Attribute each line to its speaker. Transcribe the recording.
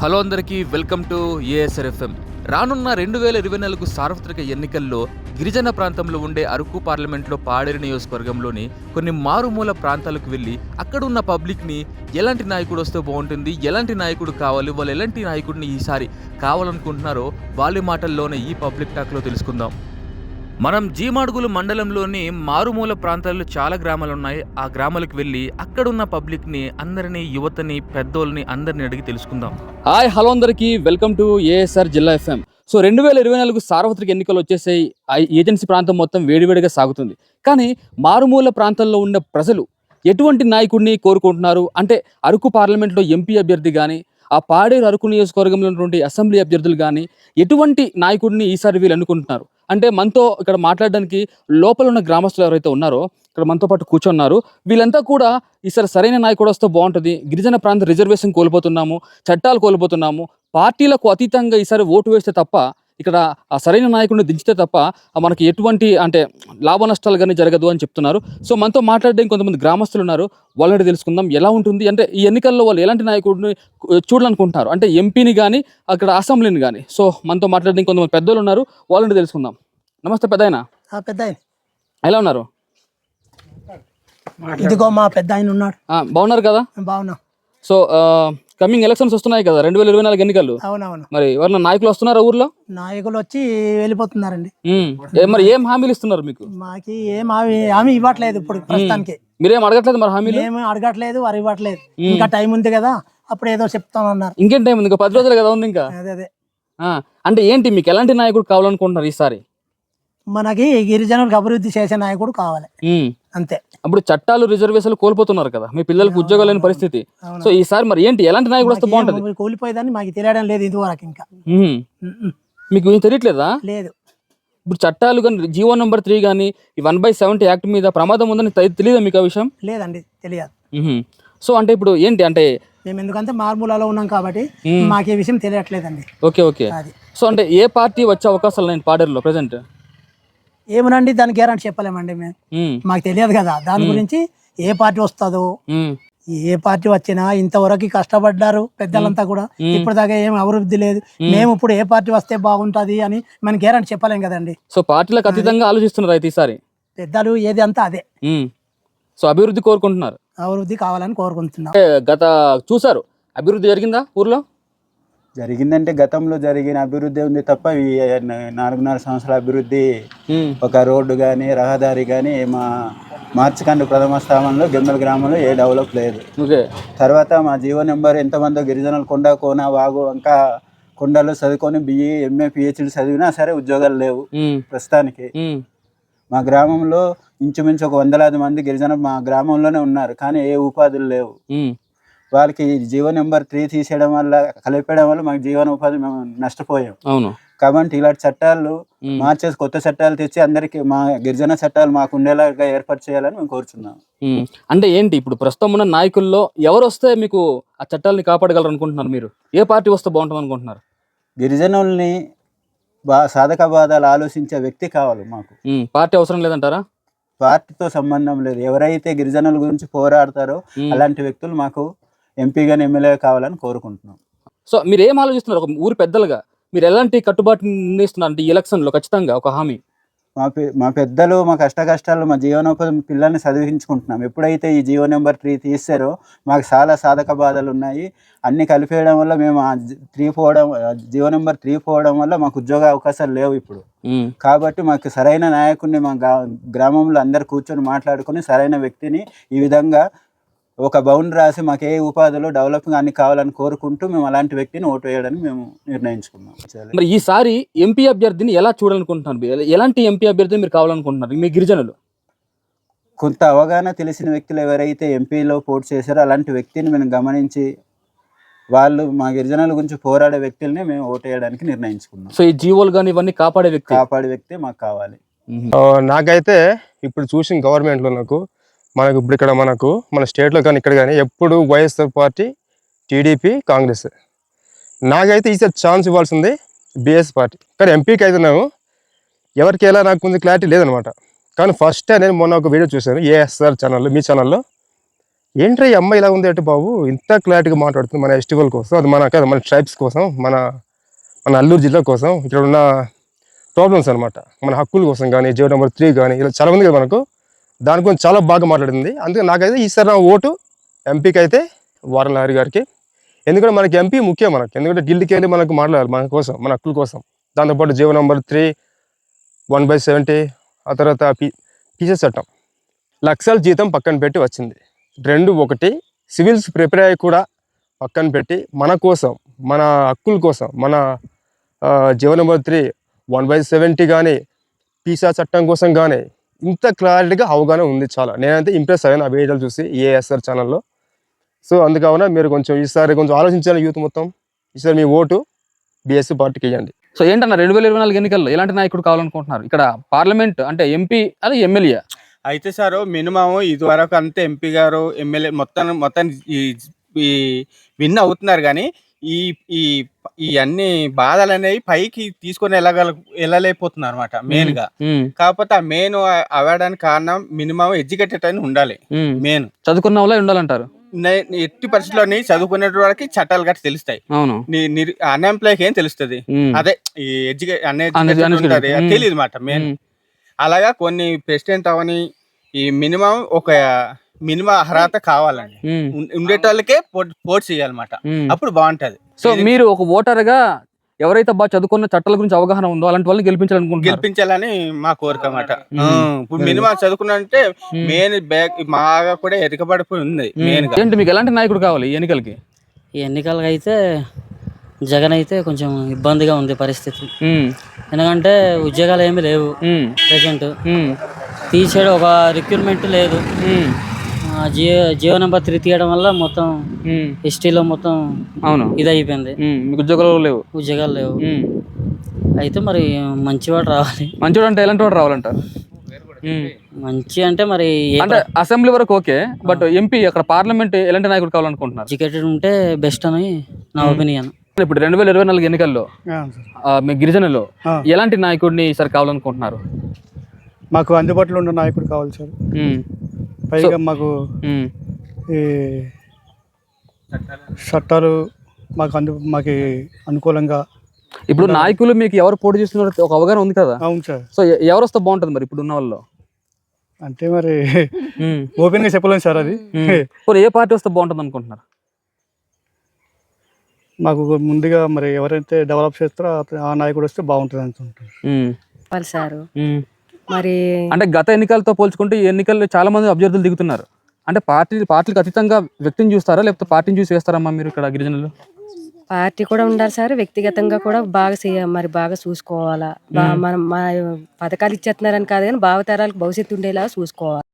Speaker 1: Hello అందరికీ welcome to ASR FM. రానున్న 2024 సార్వత్రిక ఎన్నికల్లో గిరిజన ప్రాంతంలో ఉండే అరకు పార్లమెంట్లో పాడేరు నియోజకవర్గంలోని కొన్ని మారుమూల ప్రాంతాలకు వెళ్ళి అక్కడున్న పబ్లిక్ని ఎలాంటి నాయకుడు వస్తే బాగుంటుంది, ఎలాంటి నాయకుడు కావాలి, వాళ్ళు ఎలాంటి నాయకుడిని ఈసారి కావాలనుకుంటున్నారో వాళ్ళ మాటల్లోనే ఈ పబ్లిక్ టాక్లో తెలుసుకుందాం. మనం జీమాడుగులు మండలంలోని మారుమూల ప్రాంతాల్లో చాలా గ్రామాలు ఉన్నాయి. ఆ గ్రామాలకు వెళ్ళి అక్కడున్న పబ్లిక్ని అందరినీ, యువతని, పెద్దోళ్ళని అందరిని అడిగి తెలుసుకుందాం. హాయ్ హలో అందరికీ వెల్కమ్ టు ఏఎస్ఆర్ జిల్లా ఎఫ్ఎం. సో 2024 సార్వత్రిక ఎన్నికలు వచ్చేసాయి. ఏజెన్సీ ప్రాంతం మొత్తం వేడివేడిగా సాగుతుంది. కానీ మారుమూల ప్రాంతాల్లో ఉన్న ప్రజలు ఎటువంటి నాయకుడిని కోరుకుంటున్నారు అంటే అరకు పార్లమెంట్లో ఎంపీ అభ్యర్థి కానీ, ఆ పాడేరు అరకు నియోజకవర్గంలో ఉన్నటువంటి అసెంబ్లీ అభ్యర్థులు కానీ ఎటువంటి నాయకుడిని ఈసారి వీళ్ళు అనుకుంటున్నారు అంటే మనతో ఇక్కడ మాట్లాడడానికి లోపల ఉన్న గ్రామస్తులు ఎవరైతే ఉన్నారో ఇక్కడ మనతో పాటు కూర్చున్నారు. వీళ్ళంతా కూడా ఈసారి సరైన నాయకుడు వస్తే బాగుంటుంది, గిరిజన ప్రాంత రిజర్వేషన్ కోల్పోతున్నాము, చట్టాలు కోల్పోతున్నాము, పార్టీలకు అతీతంగా ఈసారి ఓటు వేస్తే తప్ప ఇక్కడ ఆ సరైన నాయకుడిని దించితే తప్ప మనకి ఎటువంటి అంటే లాభ నష్టాలు కానీ జరగదు అని చెప్తున్నారు. సో మనతో మాట్లాడడానికి కొంతమంది గ్రామస్తులు ఉన్నారు, వాళ్ళని తెలుసుకుందాం ఎలా ఉంటుంది అంటే ఈ ఎన్నికల్లో వాళ్ళు ఎలాంటి నాయకుడిని చూడాలనుకుంటున్నారు అంటే ఎంపీని కానీ అక్కడ అసెంబ్లీని కానీ. సో మనతో మాట్లాడడానికి కొంతమంది పెద్దలు ఉన్నారు, వాళ్ళని తెలుసుకుందాం. నమస్తే పెద్దాయన.
Speaker 2: పెద్దాయన
Speaker 1: ఎలా ఉన్నారు?
Speaker 2: ఇదిగో మా పెద్ద ఆయన ఉన్నాడు.
Speaker 1: బాగున్నారు కదా?
Speaker 2: బాగున్నా.
Speaker 1: సో కమింగ్ ఎలక్షన్స్ వస్తున్నాయి కదా 2024 ఎన్నికలు.
Speaker 2: అవునవును.
Speaker 1: మరి ఎవరైనా నాయకులు వస్తున్నారా ఊర్లో?
Speaker 2: నాయకులు వచ్చి వెళ్ళిపోతున్నారండి.
Speaker 1: మరి ఏం హామీలు ఇస్తున్నారు మీకు?
Speaker 2: మాకి ఏం హామీ ఇవ్వట్లేదు ఇప్పుడు ప్రస్తుతానికి.
Speaker 1: మీరేం అడగట్లేదు మరి హామీలు?
Speaker 2: ఏమి అడగట్లేదు, వారు ఇవ్వట్లేదు. ఇంకా టైం ఉంది కదా, అప్పుడు ఏదో చెప్తామన్నారు.
Speaker 1: ఇంకేం టైం ఉంది? ఇంకా 10 రోజులు కదా ఉంది ఇంకా.
Speaker 2: అదే
Speaker 1: అంటే ఏంటి మీకు ఎలాంటి నాయకుడు కావాలనుకుంటున్నారు ఈసారి?
Speaker 2: మనకి గిరిజనులకు అభివృద్ధి చేసే నాయకుడు కావాలి, అంతే.
Speaker 1: అప్పుడు చట్టాలు రిజర్వేషన్లు కోల్పోతున్నారు కదా, మీ పిల్లలకు ఉద్యోగాలు లేని పరిస్థితి. సో ఈసారి మరి ఏంటి ఎలాంటి నాయకుడు వస్తే బాగుంటుంది?
Speaker 2: కూలిపోయేదాన్ని మాకు తెలియడం లేదు ఇదివరకు. ఇంకా
Speaker 1: మీకు ఏం తెలియట్లేదా?
Speaker 2: లేదు.
Speaker 1: ఇప్పుడు చట్టాలు కానీ జీవో నెంబర్ 3 కానీ ఈ 1/70 యాక్ట్ మీద ప్రమాదం ఉందని తెలియదా మీకు ఆ విషయం?
Speaker 2: లేదండి, తెలియదు.
Speaker 1: సో అంటే ఇప్పుడు ఏంటి అంటే
Speaker 2: మేము ఎందుకంటే మారుమూలలో ఉన్నాం కాబట్టి మాకు ఈ విషయం తెలియట్లేదండి.
Speaker 1: ఓకే. సో అంటే ఏ పార్టీ వచ్చే అవకాశాలు ఉన్నాయి పాడేరులో ప్రెసెంట్?
Speaker 2: ఏమనండి, దాని గ్యారంటీ చెప్పలేమండి మేము, మాకు తెలియదు కదా దాని గురించి. ఏ పార్టీ వస్తుందో, ఏ పార్టీ వచ్చినా ఇంతవరకు కష్టపడ్డారు పెద్దలంతా కూడా, ఇప్పటిదాకా ఏం అభివృద్ధి లేదు. మేము ఇప్పుడు ఏ పార్టీ వస్తే బాగుంటది అని మనం గ్యారంటీ చెప్పలేం కదండి.
Speaker 1: సో పార్టీలకు అతీతంగా ఆలోచిస్తున్నారు అయితే ఈసారి
Speaker 2: పెద్దలు ఏది అంతా అదే.
Speaker 1: సో అభివృద్ధి కోరుకుంటున్నారు,
Speaker 2: అభివృద్ధి కావాలని కోరుకుంటున్నాం.
Speaker 1: గత చూసారు అభివృద్ధి జరిగిందా ఊర్లో?
Speaker 3: జరిగిందంటే గతంలో జరిగిన అభివృద్ధి ఉంది తప్ప 4.5 సంవత్సరాల అభివృద్ధి ఒక రోడ్డు కానీ రహదారి కానీ మా మార్చికండు ప్రథమ స్థానంలో గెమ్మల గ్రామంలో ఏ డెవలప్ లేదు. తర్వాత మా జీవో నెంబర్ ఎంతమందో గిరిజనులు కొండ కోన వాగు ఇంకా కొండలు చదువుకొని BE MA PhD చదివినా సరే ఉద్యోగాలు లేవు ప్రస్తుతానికి. మా గ్రామంలో ఇంచుమించు ఒక 100,000 మంది గిరిజనులు మా గ్రామంలోనే ఉన్నారు, కానీ ఏ ఉపాధులు లేవు. వాళ్ళకి జీవో నెంబర్ 3 తీసేయడం వల్ల, కలిపేయడం వల్ల మాకు జీవనోపాధి మేము నష్టపోయాం.
Speaker 1: అవును.
Speaker 3: కాబట్టి ఇలాంటి చట్టాలు మార్చేసి కొత్త చట్టాలు తెచ్చి అందరికి మా గిరిజన చట్టాలు మాకు ఉండేలాగా ఏర్పాటు చేయాలని మేము కోరుచున్నాం.
Speaker 1: అంటే ఏంటి ఇప్పుడు ప్రస్తుతం ఉన్న నాయకుల్లో ఎవరు వస్తే మీకు ఆ చట్టాలని కాపాడగలరు అనుకుంటున్నారు? మీరు ఏ పార్టీ వస్తే బాగుంటుంది అనుకుంటున్నారు?
Speaker 3: గిరిజనుల్ని సాధక బాధలు ఆలోచించే వ్యక్తి కావాలి మాకు.
Speaker 1: పార్టీ అవసరం లేదంటారా?
Speaker 3: పార్టీతో సంబంధం లేదు, ఎవరైతే గిరిజనుల గురించి పోరాడతారో అలాంటి వ్యక్తులు మాకు ఎంపీగాని ఎమ్మెల్యే కావాలని కోరుకుంటున్నాం.
Speaker 1: సో మీరు ఏం ఆలోచిస్తున్నారు ఒక ఊరు పెద్దలుగా? మీరు ఎలాంటి కట్టుబాటు నిర్ణయిస్తున్నారు అంటే ఈ ఎలక్షన్లో ఖచ్చితంగా ఒక హామీ?
Speaker 3: మా పెద్దలు మా కష్టాలు మా జీవనోపాధి పిల్లల్ని చదివించుకుంటున్నాం. ఎప్పుడైతే ఈ జీవో నెంబర్ 3 తీస్తారో మాకు చాలా సాధక బాధలు ఉన్నాయి. అన్ని కలిపేయడం వల్ల మేము జీవో నెంబర్ 3 పోవడం వల్ల మాకు ఉద్యోగ అవకాశాలు లేవు ఇప్పుడు. కాబట్టి మాకు సరైన నాయకుడిని మా గ్రామంలో అందరు కూర్చొని మాట్లాడుకుని సరైన వ్యక్తిని ఈ విధంగా ఒక బౌండ్ రాసి మాకు ఏ ఉపాధిలో డెవలపింగ్ అన్ని కావాలని కోరుకుంటూ మేము అలాంటి వ్యక్తిని ఓటు వేయడానికి మేము నిర్ణయించుకున్నాం.
Speaker 1: మరి ఈసారి ఎంపీ అభ్యర్థిని ఎలా చూడాలనుకుంటున్నారు? ఎలాంటి ఎంపీ అభ్యర్థిని మీరు కావాలనుకుంటున్నారు మీ గిరిజనులు?
Speaker 3: కొంత అవగాహన తెలిసిన వ్యక్తులు ఎవరైతే ఎంపీలో పోటీ చేశారో అలాంటి వ్యక్తిని మేము గమనించి వాళ్ళు మా గిరిజనుల గురించి పోరాడే వ్యక్తుల్ని మేము ఓటు వేయడానికి నిర్ణయించుకున్నాం.
Speaker 1: సో ఈ జీవోలు కానీ ఇవన్నీ కాపాడే
Speaker 3: వ్యక్తి మాకు కావాలి.
Speaker 4: నాకైతే ఇప్పుడు చూసిన గవర్నమెంట్లో మనకు ఇప్పుడు ఇక్కడ మన స్టేట్లో కానీ ఇక్కడ కానీ ఎప్పుడు వైఎస్ఆర్ పార్టీ, టీడీపీ, కాంగ్రెస్. నాకైతే ఈసారి ఛాన్స్ ఇవ్వాల్సింది BS పార్టీ. కానీ ఎంపీకి అయితే ఎవరికి ఎలా నాకు కొంచెం క్లారిటీ లేదనమాట. కానీ ఫస్ట్ నేను మొన్న ఒక వీడియో చూశాను ఏఎస్ఆర్ ఛానల్లో, మీ ఛానల్లో. ఏంట్రా ఈ అమ్మాయి ఇలా ఉంది అంటే బాబు ఇంత క్లారిటీగా మాట్లాడుతుంది మన ఫెస్టివల్ కోసం, అది మన ట్రైబ్స్ కోసం, మన అల్లూరు జిల్లా కోసం, ఇక్కడ ఉన్న ప్రాబ్లమ్స్ అనమాట, మన హక్కుల కోసం కానీ, జీవో నెంబర్ 3 కానీ, ఇలా చాలా ఉంది కదా మనకు, దాని గురించి చాలా బాగా మాట్లాడింది. అందుకే నాకైతే ఈసారి నా ఓటు ఎంపీకి అయితే వారం లహరి గారికి. ఎందుకంటే మనకి ఎంపీ ముఖ్యం మనకి, ఎందుకంటే ఢిల్లీకి వెళ్ళి మనకు మాట్లాడాలి మన కోసం, మన హక్కుల కోసం. దాంతోపాటు జీవో నెంబర్ 3, 1/70, ఆ తర్వాత పీసీ చట్టం, లక్షల జీతం పక్కన పెట్టి వచ్చింది. 2 ఒకటి సివిల్స్ ప్రిపేర్ అయ్యి కూడా పక్కన పెట్టి మన కోసం, మన హక్కుల కోసం, మన జీవో నెంబర్ 3, 1/70 కానీ, పీసా చట్టం కోసం కానీ ఇంత క్లారిటీగా అవగాహన ఉంది. చాలా నేనైతే ఇంప్రెస్ అయ్యాను ఆ వీడియోలు చూసి ఏఎస్ఆర్ ఛానల్లో. సో అందుకని మీరు కొంచెం ఈసారి కొంచెం ఆలోచించాలి యూత్ మొత్తం. ఈసారి మీ ఓటు బీఎస్పీ పార్టీకి ఇవ్వండి.
Speaker 1: సో ఏంటన్నా 2024 ఎన్నికల్లో ఎలాంటి నాయకుడు కావాలనుకుంటున్నారు? ఇక్కడ పార్లమెంట్ అంటే ఎంపీ అది ఎమ్మెల్యే
Speaker 3: అయితే సార్ మినిమం ఇది వరకు అంతే ఎంపీ గారు ఎమ్మెల్యే మొత్తం ఈ విన్ అవుతున్నారు, కానీ ఈ ఈ ఈ అన్ని బాధలు అనేవి పైకి తీసుకొని వెళ్ళలేకపోతున్నారు అనమాట మెయిన్ గా. కాకపోతే ఆ మెయిన్ అవ్వడానికి కారణం మినిమం ఎడ్యుకేటెడ్ అని ఉండాలి. మెయిన్
Speaker 1: చదువుకున్న వాళ్ళే ఉండాలంటారు.
Speaker 3: ఎట్టి పరిస్థితుల్లోని చదువుకునే వాళ్ళకి చట్టాలు గట్టి తెలుస్తాయి, అన్ఎంప్లాయ్కి ఏం తెలుస్తుంది? అదే ఈ ఎడ్యుకేషన్ తెలియదు మాట మెయిన్. అలాగా కొన్ని ప్రెసిడెంట్ అవని ఈ మినిమం అర్హత కావాలండి, ఉండేటోళ్ళకే పోటీ చేయాలన్నమాట, అప్పుడు బాగుంటది.
Speaker 1: సో మీరు ఒక ఓటర్ గా ఎవరైతే బాగా చదువుకున్న చట్టాల గురించి అవగాహన ఉందో అలాంటి వాళ్ళని
Speaker 3: గెలిపించాలని మా కోరిక అన్నమాట. ఇప్పుడు మినిమం చదువుకున్నంటే మెయిన్ బాగా కూడా ఎరకబడిపోయి ఉంది మెయిన్ గా.
Speaker 1: ఏంటి మీకు ఎలాంటి నాయకుడు కావాలి ఈ ఎన్నికలకి?
Speaker 5: ఈ ఎన్నికలకి అయితే జగన్ అయితే కొంచెం ఇబ్బందిగా ఉంది పరిస్థితి. ఎందుకంటే ఉద్యోగాలు ఏమీ లేవు ప్రజెంట్, తీసేయడం ఒక రిక్రూట్మెంట్ లేదు. జీవో నెంబర్ 3 తీయడం వల్ల మొత్తం ఎస్టీలో మొత్తం ఇది అయిపోయింది, ఉద్యోగాలు లేవు. అయితే మరి మంచివాడు రావాలి.
Speaker 1: మంచివాడు అంటే ఎలాంటి వాడు రావాలంటారు?
Speaker 5: మంచి అంటే మరి
Speaker 1: అంటే అసెంబ్లీ వరకు ఓకే, బట్ ఎంపీ అక్కడ పార్లమెంట్ ఎలాంటి నాయకుడు కావాలనుకుంటున్నారు?
Speaker 5: ఎడ్యుకేటెడ్ ఉంటే బెస్ట్ అని నా ఒపీనియన్.
Speaker 1: ఇప్పుడు 2024 ఎన్నికల్లో మీ గిరిజనలో ఎలాంటి నాయకుడిని ఈసారి కావాలనుకుంటున్నారు?
Speaker 6: మాకు అందుబాటులో ఉన్న నాయకుడు కావాలి సార్. పైగా మాకు ఈ చట్టాలు మాకు అనుకూలంగా.
Speaker 1: ఇప్పుడు నాయకులు మీకు ఎవరు పోటీ చేస్తున్నారు ఒక అవగాహన ఉంది కదా?
Speaker 6: అవును సార్.
Speaker 1: సో ఎవరు వస్తే బాగుంటుంది మరి ఇప్పుడు ఉన్న వాళ్ళు?
Speaker 6: అంటే మరి ఓపెన్ గా చెప్పలేము సార్ అది.
Speaker 1: ఏ పార్టీ వస్తే బాగుంటుంది అనుకుంటున్నారు?
Speaker 6: మాకు ముందుగా మరి ఎవరైతే డెవలప్ చేస్తారో ఆ నాయకుడు వస్తే బాగుంటుంది అనుకుంటున్నారు
Speaker 7: సార్. మరి
Speaker 1: అంటే గత ఎన్నికలతో పోల్చుకుంటే ఈ ఎన్నికల్లో చాలా మంది అభ్యర్థులు దిగుతున్నారు. అంటే పార్టీలకు అతీతంగా వ్యక్తిని చూస్తారా లేకపోతే పార్టీని చూసి వేస్తారమ్మా మీరు ఇక్కడ గిరిజనులు?
Speaker 7: పార్టీ కూడా ఉండాలి సార్, వ్యక్తిగతంగా కూడా బాగా చూసుకోవాలా. మన పథకాలు ఇచ్చేస్తున్నారని కాదు కానీ భావితరాలకు భవిష్యత్తు ఉండేలా చూసుకోవాలి.